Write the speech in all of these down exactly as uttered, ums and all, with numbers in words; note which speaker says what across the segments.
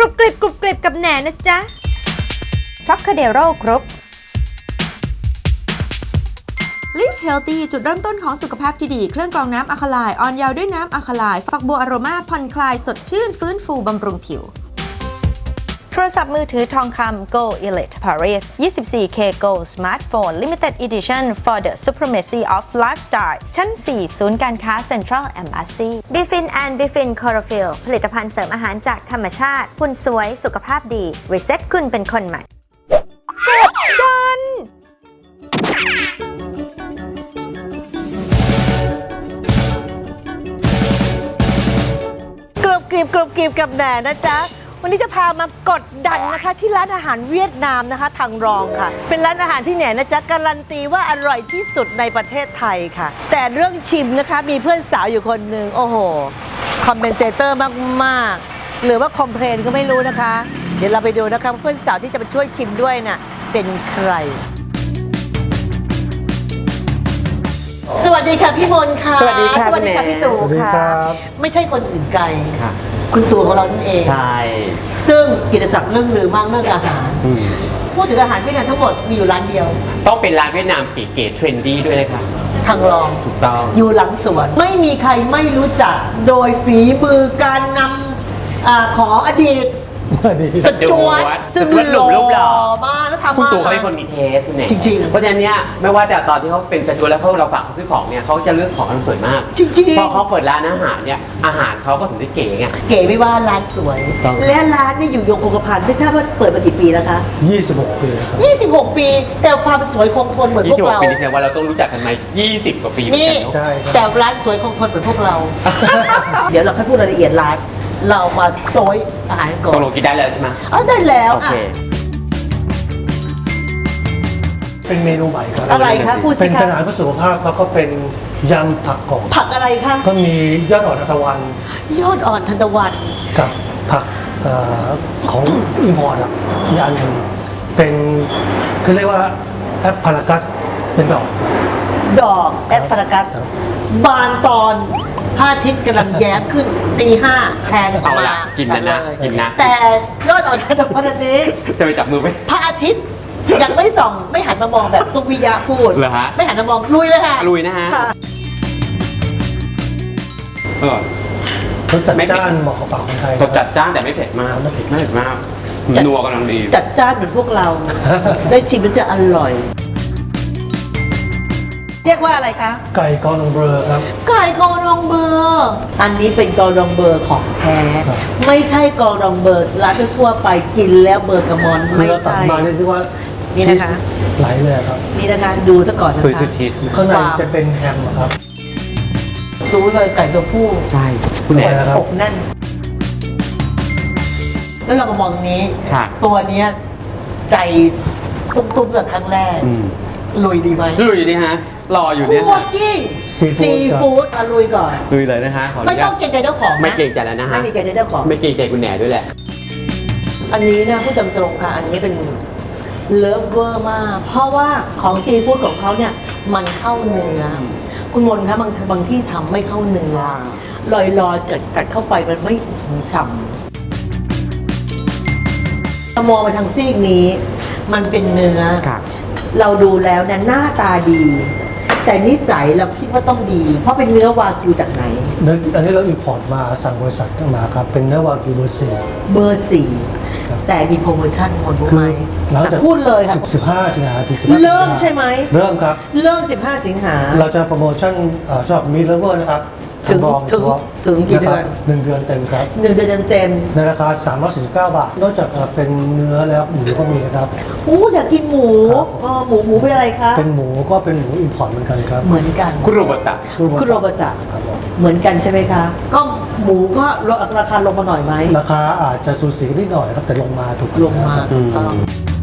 Speaker 1: รุบกริบกรุบกริบกับแหนนะจ๊ะทรัคคาเดโร่กรุ๊ป Live Healthy จุดเริ่มต้นของสุขภาพที่ดีเครื่องกรองน้ำอะคาไลน์อ่อนเยาว์ด้วยน้ำอะคาไลน์ฝักบัวอโรมาผ่อนคลายสดชื่นฟื้นฟูบำรุงผิวโทรศัพท์มือถือทองคำ Go Elite Paris ยี่สิบสี่เค Go Smartphone Limited Edition for the Supremacy of Lifestyle ชั้น สี่ ศูนย์การค้า Central Embassy Bifin and Bifin Chlorophyll ผลิตภัณฑ์เสริมอาหารจากธรรมชาติหุ่นสวยสุขภาพดี Reset คุณเป็นคนใหม่กดดันกรุบกริบกรุบกริบกับแหนนะจ๊ะวันนี้จะพามากดดันนะคะที่ร้านอาหารเวียดนามนะคะทางรองค่ะเป็นร้านอาหารที่แหนนะจ๊ะการันตีว่าอร่อยที่สุดในประเทศไทยค่ะแต่เรื่องชิมนะคะมีเพื่อนสาวอยู่คนหนึ่งโอ้โหคอมเมนเตเตอร์มากๆหรือว่าคอมเพลนก็ไม่รู้นะคะเดี๋ยวเราไปดูนะคะเพื่อนสาวที่จะมาช่วยชิมด้วยน่ะเป็นใครสวัสดีค่ะพี่มนต์ค่ะ
Speaker 2: สวัสดีค่ะ
Speaker 1: สวัสดีค่ะพี่ตู่ค่ะไม่ใช่คนอื่นไกลคุณตู่ของเรานั่นเอง
Speaker 2: ใช่
Speaker 1: ซึ่งกิตติศักดิ์เรื่องลือมากเรื่องอาหารพูดถึงอาหารเวียดนามทั้งหมดมีอยู่ร้านเดียว
Speaker 2: ต้องเป็นร้านเวียดนามเก๋ๆเทรนดี้ด้วยนะคะ
Speaker 1: ทางรอง
Speaker 2: ถูกต้อง
Speaker 1: อยู่หลังสวนไม่มีใครไม่รู้จักโดยฝีมือการนำอ่าขออดีตสจวตซึ่งหล่อมากแล้วทำมา
Speaker 2: คุณตู่เขาเป็นคนมีเทสเนี่ย
Speaker 1: จริงๆ
Speaker 2: เพราะฉะนั้นเนี่ยไม่ว่าจะตอนที่เขาเป็นสจวตแล้วเขาเราฝากเขาซื้อของเนี่ยเขาจะเลือกของอันสวยมาก
Speaker 1: จริงๆ
Speaker 2: พอเขาเปิดร้านอาหารเนี่ยอาหารเขาก็ถึงได้เก๋ไง
Speaker 1: เก๋ไม่ว่าร้านสวยและร้านนี่อยู่ยงคงกระพันไม่ทราบว่าเปิดมากี่ปีแล้วคะ
Speaker 3: ยี่สิบหกปีครับ
Speaker 1: ยี่สิบหกปีแต่ความสวยคงทนเหมือนพวกเรา
Speaker 2: ยี่สิบหกปีนี่แสดงว่าเราต้องรู้จักกันมายี่สิบกว่าปี
Speaker 1: นี่แต่ร้านสวยคงทนเหมือนพวกเรา เดี๋ยวเราค่อยพูดรายละเอียดร้านเรามาโซยอาหารก่อน
Speaker 2: ตกลงกินได้แล้วใช่ไหม
Speaker 1: อ๋อได้แล้ว
Speaker 2: โอเค
Speaker 3: เป็นเมนูใหม่ครับ
Speaker 1: อะไรคะพูดสิคะ
Speaker 3: เป็นอาหารเพื่อสุขภาพแล้วก็เป็นยำผักกรอบ
Speaker 1: ผักอะไรคะ
Speaker 3: ก็มียอดอ่อนทานตะวัน
Speaker 1: ยอดอ่อนทานตะวัน
Speaker 3: กับผักของอิมพอร์ตอ่ะอีกอันหนึ่งเป็นคือเรียกว่าแอปพารากัสเป็นดอก
Speaker 1: ดอกแอสพารากัสบานตอนพระอาทิตย์กำลังแย้มขึ้นตีห้าแทงออกมา
Speaker 2: กินนะนะกินนะ
Speaker 1: แต่ยอดอ่อนทานตะวันนี้
Speaker 2: จะไปจับมือไหม
Speaker 1: พระอาทิตย์ยังไม่ส่องไม่หันมามองแบบตุกวิยาพูด
Speaker 2: เหรอฮะ
Speaker 1: ไม่หันมามองลุยเลยค่ะ
Speaker 2: ลุยนะฮะอร่อย
Speaker 3: รสจัดจ้านเหมาะกับปากคนไทย
Speaker 2: รสจัดจ้านแต่ไม่เผ็ดมากไม่เผ็ดไม่เผ็ดมากนัวกำลังดี
Speaker 1: จัดจ้านเหมือนพวกเราได้ชิมแล้วจะอร่อยเรียกว่าอะไรคะ
Speaker 3: ไก่กอรองเบอร์ครับ
Speaker 1: ไก่กอรองเบอร์อันนี้เป็นกอรองเบอร์ของแท้ไม่ใช่กอรองเบอร์ร้านทั่วไปกินแล้วเบอร์กระมอน
Speaker 3: ไม่ใช่มาเนี่ยที่ว่า
Speaker 1: นี่นะคะ
Speaker 3: ไหลเลยครับ
Speaker 1: นี่นะคะดูซะก่อนนะคะ
Speaker 3: ข้างในจะเป็นแฮมครับ
Speaker 1: รู้เลยไก่ตัวผู้
Speaker 2: ใช่คุณแม่
Speaker 1: ครับอกแน่นแล้วเราก็มองตรงนี้ตัวเนี้ยใจตุ้มๆแบบครั้งแรกลุยดีไหม
Speaker 2: ลุยดีฮะรออยู่เนี่ย
Speaker 1: คั่วกิ้งซีฟู้ดมาลุยก่อน
Speaker 2: ลุยเลยนะฮะ
Speaker 1: ไม่ต้องเกรงใจเจ้าของ
Speaker 2: ไม่เกรงใจแล้วนะฮะ
Speaker 1: ไม่มีเกรงใจเจ้าของ
Speaker 2: ไม่เกรงใจคุณแหน่ด้วยแหละ
Speaker 1: อันนี้นะพูดตรงๆค่ะอันนี้เป็นเลิฟเวอร์มากเพราะว่าของซีฟู้ดของเขาเนี่ยมันเข้าเนื้อคุณมนต์คะบางบางที่ทำไม่เข้าเนื้อลอยๆกัดกัดเข้าไปมันไม่ฉ่ำมองไปทางซีกนี้มันเป็นเนื้อเราดูแล้วเนี่ยหน้าตาดีแต่นิสัยเราคิดว่าต้องดีเพราะเป็นเนื้อวากิวจากไหน
Speaker 3: อันนี้เราอิมพอร์ตมาสั่งบริษัทมาครับเป็นเนื้อวากิวเบอร์สี่
Speaker 1: เบอร์สี่แต่มีโปรโมชั่นคนรู้ไหมพูดเลยค่ะ
Speaker 3: สิบห้าสิงหาถึง
Speaker 1: เริ่มใช่ไหม
Speaker 3: เริ่มครับ
Speaker 1: เริ่มสิบห้าสิงหา
Speaker 3: เราจะโปรโมชั่นสำหรับมีเลเวอร์นะครับ
Speaker 1: ถึงถึงถึงกี่เดือน
Speaker 3: หนึ่งเดือนเต็มครับ
Speaker 1: หนึ่งเดือนเต็ม
Speaker 3: ในราคาสามร้อยสี่สิบเก้าบาทนอกจากเป็นเนื้อแล้วหมูก็มีนะครับ
Speaker 1: โอ้อยากกินหมูอ๋อหมูหมูเป็นอะไรคะ
Speaker 3: เป็นหมูก็เป็นหมูอิมพอร์ตเหมือนกันครับ
Speaker 1: เหมือนกัน
Speaker 2: คุโรบุตะ
Speaker 1: คุโรบุตะเหมือนกันใช่ไหมคะก็หมูก็ราคาลงมาหน่อยไหม
Speaker 3: ราคาอาจจะสูสีนิดหน่อยครับแต่ลงมาถูก
Speaker 1: ลงมาถูกต้อง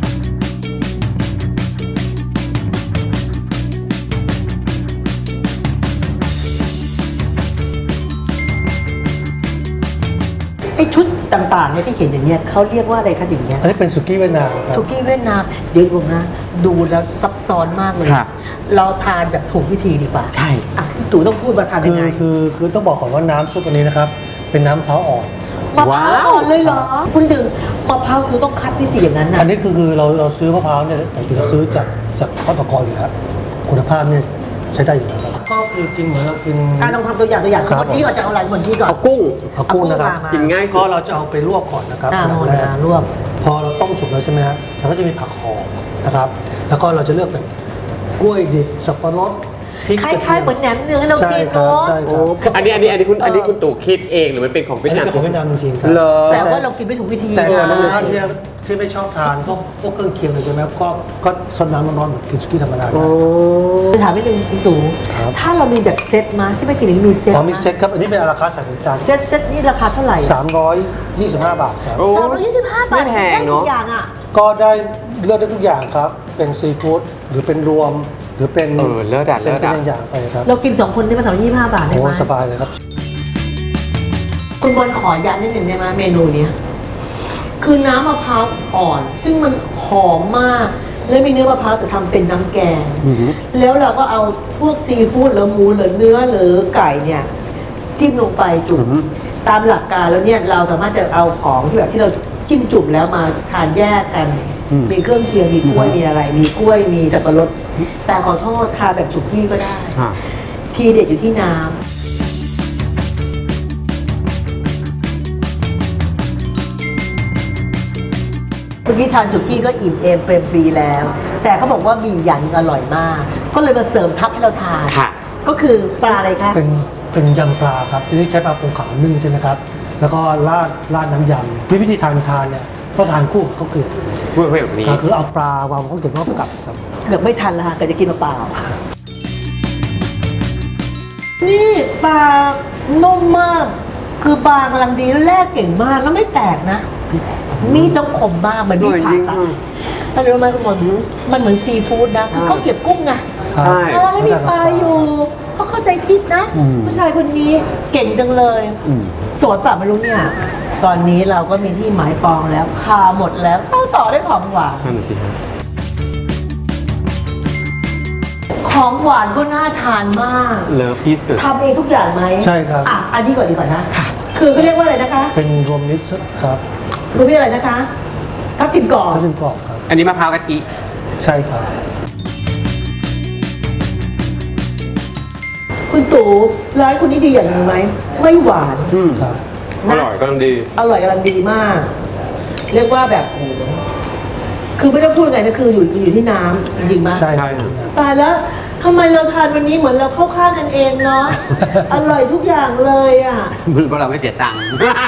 Speaker 1: ไอ้ชุดต่างๆเนี่ยที่เห็นอย่างเงี้ยเขาเรียกว่าอะไรคะอย่างเงี้ย
Speaker 3: อันนี้เป็นสุกี้เวียดนามครับ
Speaker 1: สุกี้เวียดนามเดี๋ยวผมนะดูแล้วซับซ้อนมากเลยเราทานแบบถูกวิธีดีกว่า
Speaker 2: ใช่
Speaker 1: อ่ะพี่ตู่ต้องพูดมาทานยังไง
Speaker 3: คือคือคือต้องบอกก่อนว่าน้ำซุปอันนี้นะครับเป็นน้ำมะพร้าวอ่อน
Speaker 4: มะพร้าวอ่อนเลยเหรอคุณหนึ่งมะพร้าวคือต้องคัดพิเศษอย่างนั้นนะ
Speaker 3: อันนี้คือคือเราเราซื้อมะพร้าวเนี่ยปกติเราซื้อจากจากข้าวตะกออยู่แล้วคุณภาพเนี่ยใช้ได้อยู่แล้วครับก็คือกินเหมือนเรากิน
Speaker 4: อ่ะลองทำตัวอย่างตัวอย่าง
Speaker 3: ครับ
Speaker 4: คนที่ก่อนจะเอาอะไรคนที่ก่อน
Speaker 2: เอากุ้ง
Speaker 3: เอากุ้งนะครับ
Speaker 4: เอากุ้งมา
Speaker 2: กินง่าย
Speaker 3: ก็เราจะเอาไปลวกก่อนนะครับ
Speaker 4: อ่า
Speaker 3: อย่าง
Speaker 4: โน่น
Speaker 3: แรก
Speaker 4: นะรวบ
Speaker 3: พอเราต้มสุกแล้วใช่ไหมฮะเราก็จะมีผักหอมนะครับ แล้วก็เราจะเลือกแบบกล้วยดิบสับปะรดพริก
Speaker 4: คล้ายๆเหมือนแหนมเนืองให้เรา
Speaker 3: ใช่
Speaker 4: กิน
Speaker 3: ครับ
Speaker 4: เนาะ
Speaker 3: ใช่ค
Speaker 2: โอ้
Speaker 3: รับ
Speaker 2: อันนี้อันนี้อันนี้คุณอันนี้คุณตู่คิดเองหรือมันเป็นของ
Speaker 3: อั
Speaker 2: เวีย
Speaker 3: น
Speaker 2: ด
Speaker 3: นี้
Speaker 2: นาม
Speaker 3: เป็นของเวียดนามจริงๆครับ
Speaker 2: เหรอ
Speaker 4: แต่ว่าเรากินไม่ถูกวิธี
Speaker 3: แต่
Speaker 4: ไง
Speaker 3: บางท่านที่ที่ไม่ชอบทานพวกพวกเครื่องเคียงเลยใช่ไหมก็ก็ซดน้ำร้อนๆเหมือนกินสุกี้ธรรมดาได้
Speaker 4: จะถามนิดนึงคุณตู่
Speaker 3: ครับ
Speaker 4: ถ้าเรามีแบบเซ็ตมาที่ไม่กินอย่างนี้มีเซ็ต
Speaker 3: อ๋อมี
Speaker 4: มา
Speaker 3: เซ็ตครับ อันนี้เป็นราคาสั่งเป็นจาน
Speaker 4: เซ็ตเซ็ตนี่ราคาเท่าไหร่
Speaker 3: สามร้อยยี่สิบห้าบาทครับ
Speaker 2: โอ้
Speaker 4: สามร้อยยี่สิบห้าบาท
Speaker 2: ไม่แพง
Speaker 4: ได้
Speaker 2: เน
Speaker 4: ทุ
Speaker 2: อะ
Speaker 4: กอย่างอ่ะ
Speaker 3: ก็ได้เลือกได้ทุกอย่างครับ เป็นซีฟู้ดหรือเป็นรวม หรือเป็น
Speaker 2: เออเลิศอะ
Speaker 3: เป็น
Speaker 2: เลิศ
Speaker 3: เป็น
Speaker 2: อะ
Speaker 3: อย่างๆไปครับ
Speaker 4: เรากินสองคนได้มาสามร้อยยี่สิบห้าบาทได้
Speaker 3: โอ้
Speaker 4: ไหม
Speaker 3: สบายเลยครับ
Speaker 4: คุณบอลขอย้ำนิดหนึ่งได้ไหมเมนูเนี้ยคือน้ำมะพร้าวอ่อน ซึ่งมันหอมมาก แล้วมีเนื้อมะพร้าวแต่ทำเป็นน้ำแกง
Speaker 2: อือหือ
Speaker 4: แล้วเราก็เอาพวกซีฟู้ดหรือหมูหรือเนื้อหรือไก่เนี่ยจิ้มลงไปจุ่มตามหลักการแล้วเนี่ยเราสามารถจะเอาของที่แบบที่เราจิ้มจุ่มแล้วมาทานแยกกัน มีเครื่องเคียงมีกล้วยมีอะไร มีกล้วยมีสับปะรดแต่ขอโทษทานแบบสุกี้ก็ได้
Speaker 2: อ่ะ
Speaker 4: ทีเด็ดอยู่ที่น้ำเมื่อกี้ทานสุกี้ก็อิ่มเอมเปรมปรีแล้ว แต่เขาบอกว่ามีอย่างหนึ่งอร่อยมาก ก็เลยมาเสริมทับให้เราทาน
Speaker 2: ค่ะ
Speaker 4: ก็คือปลาอะไรคะ
Speaker 3: เป็นเป็นยำปลาครับทีนี้ใช้ปลาปูขาวนึ่งใช่ไหมครับ แล้วก็ราดราดน้ำยำวิธีทานทานเนี่ยก็ทานคู่กับข้าวเกรี๊ยว
Speaker 2: เพื่อเพื่อแบบนี้
Speaker 3: ก็คือเอาปลาวางบนข้าวเกรี๊ยวแล้วก็กลับครับ
Speaker 4: เกือบไม่ทันและค่ะก็จะกินเปล่าๆนี่ปลานุ่มมาก คือปลากำลังดีแล้วแลกเก่งมากแล้วไม่แตกนะ มีดต้องคมมากเหมือนมีดผ่าตัดถ้ารู้ไหมคุณหมอมันเหมือนซีฟู้ดนะคือเขาเก็บกุ้งไง
Speaker 3: ครับ
Speaker 2: ใช่
Speaker 4: เออแล้วมีปลาอยู่เขาเข้าใจคิดนะ
Speaker 2: อืม
Speaker 4: ผู้ชายคนนี้เก่งจังเลย
Speaker 2: อืม
Speaker 4: โสดป่ะไม่รู้เนี่ย ตอนนี้เราก็มีที่หมายปองแล้วคาหมดแล้วต้องต่อด้วยของหวาน
Speaker 2: นั่นนะสิฮะ
Speaker 4: ของหวานก็น่าทานมาก
Speaker 2: เลิฟที่สุด
Speaker 4: ทำเองทุกอย่างไหม
Speaker 3: ใช่ครับ
Speaker 4: อ่ะอันนี้ก่อนดีกว่านะคือเขาเรียกว่าอะไรนะคะ
Speaker 3: เป็นรวมมิตรครับ
Speaker 4: รู้พี่อะไรนะคะทับทิมกรอบ
Speaker 3: ถ้าเป็นกรอบครับ
Speaker 2: อันนี้มะพร้าวกะทิ
Speaker 3: ใช่ครับ
Speaker 4: คุณตู่ร้านคุณนี่ดีอย่างหนึงไหมไม่หวาน
Speaker 2: อืม
Speaker 3: ครับ
Speaker 2: อร่อยกำลังดี
Speaker 4: อร่อยกำลังดีมาก เรียกว่าแบบโอ้โหคือไม่ต้องพูดไงนะคืออยู่อยู่ที่น้ำจริงๆมั้ย
Speaker 3: ใช่
Speaker 2: ใช่
Speaker 3: ครับ
Speaker 4: ตายแล้วทำไมเราทานวันนี้เหมือนเราเข้าข้างกันเองเนาะ อร่อยทุกอย่างเลยอ่ะ
Speaker 2: มือเพราะเราไม่เสียตังค์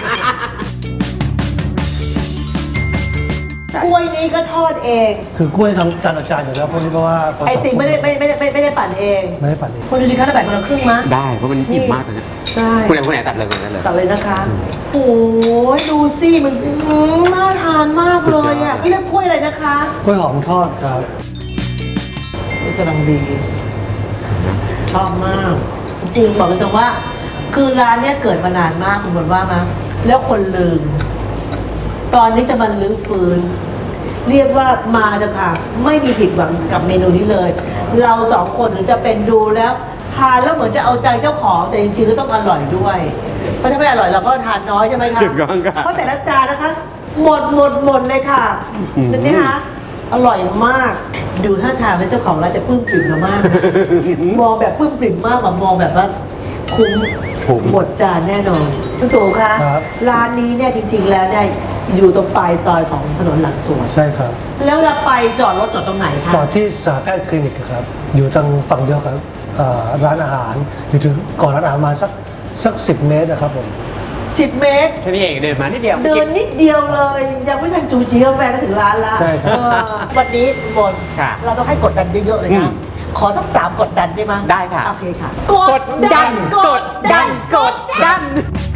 Speaker 4: กล้วยนี้ก็ทอดเอง
Speaker 3: คือกล้วยทำจานอาจารย์อยู่แล้วพวกนี้เพราะว่าพ
Speaker 4: ไอติมไม่ได้ไม่ไม่ได้ไม่ไม่ได้ปั่นเอง
Speaker 3: ไม่ได้ปั่นเอง
Speaker 4: คนดูสิคะถ้าแบ่งคนละครึ่งมะ
Speaker 2: ได้เพราะมันอิ่มมากเลยนะ
Speaker 4: ใช่
Speaker 2: คุณไหนคุณไหนตัดเลยคุณไหนตัดเลย
Speaker 4: ตัดเลยนะคะโอ้ยดูสิมันอื้อหือน่าทานมากเลยอ่ะเขาเรียกกล้วยอะไรนะคะ
Speaker 3: กล้วยหอมทอดครับ
Speaker 4: นี่กำลังดี ชอบมาก จริงบอกเลยตรงว่า คือร้านเนี้ยเกิดมานานมากคุณบอกว่ามาแล้วคนลืม ตอนนี้จะมาลื้อฟื้น เรียกว่ามาจะค่ะ ไม่มีผิดหวังกับเมนูนี้เลย เราสองคนถึงจะเป็นดูแล้วทานแล้วเหมือนจะเอาใจเจ้าของแต่จริงๆก็ต้องอร่อยด้วยเพราะถ้าไม่อร่อยเราก็ทานน้อยใช่ไหมคะ
Speaker 2: ถูกต้องค่ะ
Speaker 4: เพราะแต่ละจานนะคะ หมดหมดหมดเลยค่ะ
Speaker 2: อืม
Speaker 4: เห็นไหมคะอร่อยมาก ดูท่าทางแล้วเจ้าของร้านจะปลื้มปริ่มเรามากนะมองแบบปลื้มปริ่มมากกว่ามองแบบว่าคุ้ม
Speaker 2: คุ้ม
Speaker 4: หมดจานแน่นอนคุณตู่คะ
Speaker 3: ครับ
Speaker 4: ร้านนี้เนี่ยจริงๆแล้วเนี่ยอยู่ตรงปลายซอยของถนนหลังสวน
Speaker 3: ใช่ครับ
Speaker 4: แล้วเราไปจอดรถจอดตรงไหนคะ
Speaker 3: จอดที่สาแพทย์คลินิกครับ อยู่ทางฝั่งเดียวกับเอ่อร้านอาหาร อยู่ถึงก่อนร้านอาหารมาสักสักสิบเมตรนะครับผม
Speaker 4: สิบเมตร
Speaker 2: แค่นี้เองเดินมานิดเดียว
Speaker 4: เดินนิดเดียวเลย ยังไม่ทันจูจีกาแฟก็ถึงร้านละ
Speaker 3: ใช่ครับ
Speaker 4: เออวันนี้บน
Speaker 2: ค่ะ
Speaker 4: เราต้องให้กดดันเยอะๆเลย
Speaker 2: อื
Speaker 4: นะ
Speaker 2: ม
Speaker 4: ขอสักสามกดดันได้ไหม
Speaker 2: ได้ค่ะ
Speaker 4: โอเคค่ะ
Speaker 2: กดดันกดดันกดดัน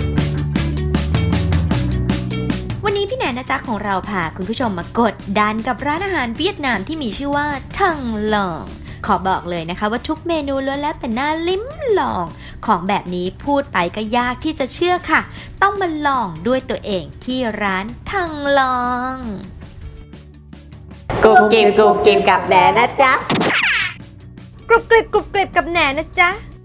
Speaker 1: วันนี้พี่แหนนะจ๊ะของเราพาคุณผู้ชมมากดดันกับร้านอาหารเวียดนามที่มีชื่อว่าทังลอง ขอบอกเลยนะคะว่าทุกเมนูล้วนแล้วแต่น่าลิ้มลอง ของแบบนี้พูดไปก็ยากที่จะเชื่อค่ะ ต้องมาลองด้วยตัวเองที่ร้านทังลอง
Speaker 5: กูกิมกูกิมกับแหนนะจ๊ะ
Speaker 1: กรุบกริบกรุบกริบกับแหนนะจ๊ะ